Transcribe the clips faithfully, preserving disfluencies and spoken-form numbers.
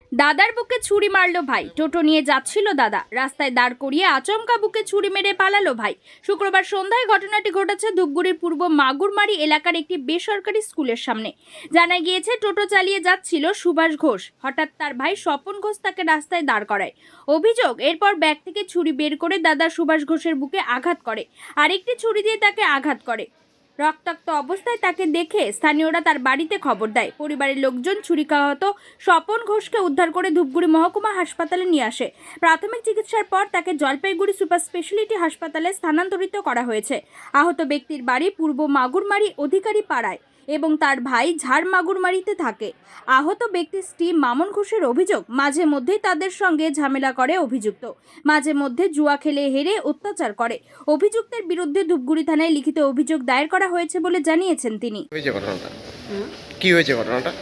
দাদার বুকে ছুরি মারলো ভাই। টোটো নিয়ে যাচ্ছিল দাদা, রাস্তায় দাঁড় করিয়ে আচমকা বুকে ছুরি মেরে পালালো ভাই। শুক্রবার সন্ধ্যায় ঘটনাটি ঘটেছে ধূপগুড়ির পূর্ব মাগুরমারি এলাকার একটি বেসরকারি স্কুলের সামনে। জানা গিয়েছে, টোটো চালিয়ে যাচ্ছিল সুভাষ ঘোষ। হঠাৎ তার ভাই স্বপন ঘোষ তাকে রাস্তায় দাঁড় করায়। অভিযোগ, এরপর ব্যাগ থেকে ছুরি বের করে দাদা সুভাষ ঘোষের বুকে আঘাত করে, আরেকটি ছুরি দিয়ে তাকে আঘাত করে। রক্তাক্ত অবস্থায় তাকে দেখে স্থানীয়রা তার বাড়িতে খবর দেয়। পরিবারের লোকজন ছুরিকাহত স্বপন ঘোষকে উদ্ধার করে ধূপগুড়ি মহকুমা হাসপাতালে নিয়ে আসে। প্রাথমিক চিকিৎসার পর তাকে জলপাইগুড়ি সুপার স্পেশালিটি হাসপাতালে স্থানান্তরিত করা হয়েছে। আহত ব্যক্তির বাড়ি পূর্ব মাগুরমারি অধিকারী পাড়ায় এবং তার ভাই ঝাড় মাগুরমারিতে থাকে। আহত ব্যক্তির স্ত্রী মামন ঘোষের অভিযোগ, মাঝে মধ্যেই তাদের সঙ্গে ঝামেলা করে অভিযুক্ত, মাঝে মধ্যে জুয়া খেলে হেরে অত্যাচার করে। অভিযুক্তের বিরুদ্ধে ধূপগুড়ি থানায় লিখিত অভিযোগ দায়ের করা হয়েছে বলে জানিয়েছেন তিনি। হয়েছে ঘটনাটা কি হয়েছে ঘটনাটা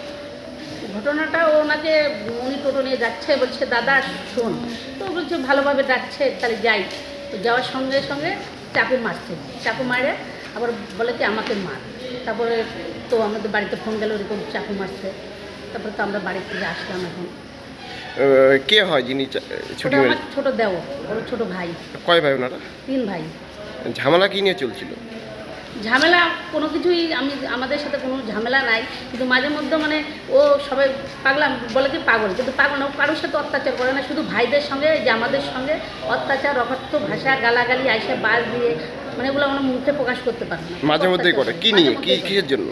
ঘটনাটা ওনাকে উনি টোটো নিয়ে যাচ্ছে, বলছে দাদা শোন, তো বলছে ভালোভাবে ডাকছে, তাহলে যাই। তো যাওয়ার সঙ্গে সঙ্গে চাকু মারছে, চাকু মারে আবার বলে কি আমাকে মার। তারপরে তো আমাদের বাড়িতে ফোন গেল এরকম চাকু মারছে। তারপরে তো আমরা বাড়ি থেকে আসলাম। এখন আহ, কে হয় যিনি চা- ছুটি ওটা মেরে আমার ছোটো দেও, ওর ছোটো ভাই, কয় ভাই ওনারা? তিন ভাই। ঝামেলা কি নিয়ে চলছিল? ঝামেলা কোনো কিছুই আমি আমাদের সাথে কোনো ঝামেলা নাই, কিন্তু মাঝে মধ্যে মানে ও সবাই পাগলা বলে কি পাগল, কিন্তু পাগল না, ও কারোর সাথে অত্যাচার করে না, শুধু ভাইদের সঙ্গে যে আমাদের সঙ্গে অত্যাচার, অকথ্য ভাষা, গালাগালি, আইসে বাস দিয়ে, মানে এগুলো আমরা মুখে প্রকাশ করতে পারি না। মাঝে মধ্যেই করে কি নিয়ে কি কিসের জন্য?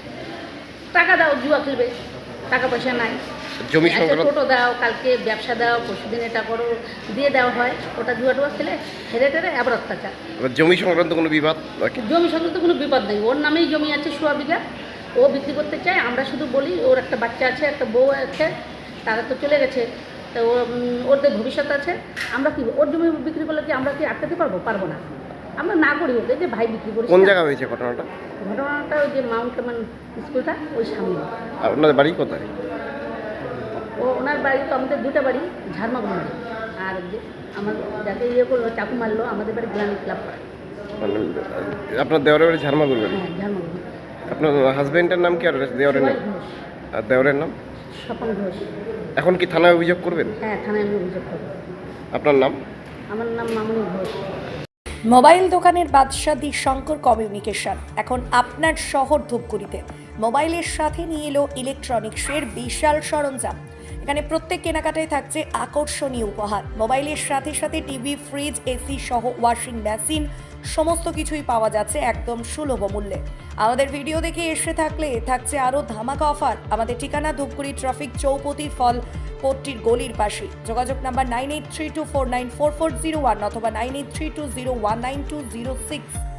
টাকা দাও, জুয়া খেলবে, টাকা পয়সা নাই, জমি আচ্ছা সংক্রান্ত টোটো দাও, কালকে ব্যবসা দাও, পরশুদিন এটা করো, দিয়ে দেওয়া হয়। ওটা জুয়া টুয়া খেলে হেরে টেরে আবার অত্যাচার। আবার জমি সংক্রান্ত কোনো বিবাদ নাকি? জমি সংক্রান্ত কোনো বিপদ নেই, ওর নামেই জমি আছে সোয়া বিঘা, ও বিক্রি করতে চায়। আমরা শুধু বলি ওর একটা বাচ্চা আছে, একটা বউ আছে, তারা তো চলে গেছে, তো ও উম, ওদের ভবিষ্যৎ আছে। আমরা কি ওর জমি বিক্রি করলে কি আমরা কি আটকাতে পারবো? পারবো না। আমরা না করি ওকে, যে ভাই বিক্রি করি। কোন জায়গা হয়েছে ঘটনাটা? ঘটনাটা ওই যে মাউন্ট কেমন স্কুলটা ওই সামনে। আর আপনাদের বাড়ি কোথায়? ও ওনার বাড়ি তো আমাদের দুটা বাড়ি, ঝাড়মাগুন বাড়ি, আর যে আমার যাকে ইয়ে করলো চাকু মারলো আমাদের বাড়ি গ্রামীণ ক্লাব পাড়া। মানে, আপনার দেওয়ারের বাড়ি ঝারমাগুর বাড়ি। হ্যাঁ, ঝাড়মাগুন। আপনার হাজবেন্ডের নাম কি আর দেওয়ারের নাম? ঘোষ, আর দেওয়ারের নাম? স্বপন ঘোষ। এখন কি থানায় অভিযোগ করবেন? হ্যাঁ, থানায় আমি অভিযোগ করবো। আপনার নাম? আমার নাম মামনি ঘোষ। মোবাইল দোকানের বাদশা দি শঙ্কর কমিউনিকেশন এখন আপনার শহর ধূপগুড়িতে মোবাইলের সাথে নিয়ে এলো ইলেকট্রনিক্সের বিশাল সরঞ্জাম। এখানে প্রত্যেক কেনাকাটায় থাকছে আকর্ষণীয় উপহার। মোবাইলের সাথে সাথে টিভি, ফ্রিজ, এসি সহ ওয়াশিং মেশিন সমস্ত কিছুই পাওয়া যাচ্ছে একদম সুলভ মূল্যে। আমাদের ভিডিও দেখে এসে থাকলে থাকছে আরও ধামাকা অফার। আমাদের ঠিকানা ধূপগুড়ি ট্রাফিক চৌপতি ফল কোর্টটির গলির পাশে। যোগাযোগ number nine eight three two four nine four four zero one অথবা nine eight three two zero one nine two zero six.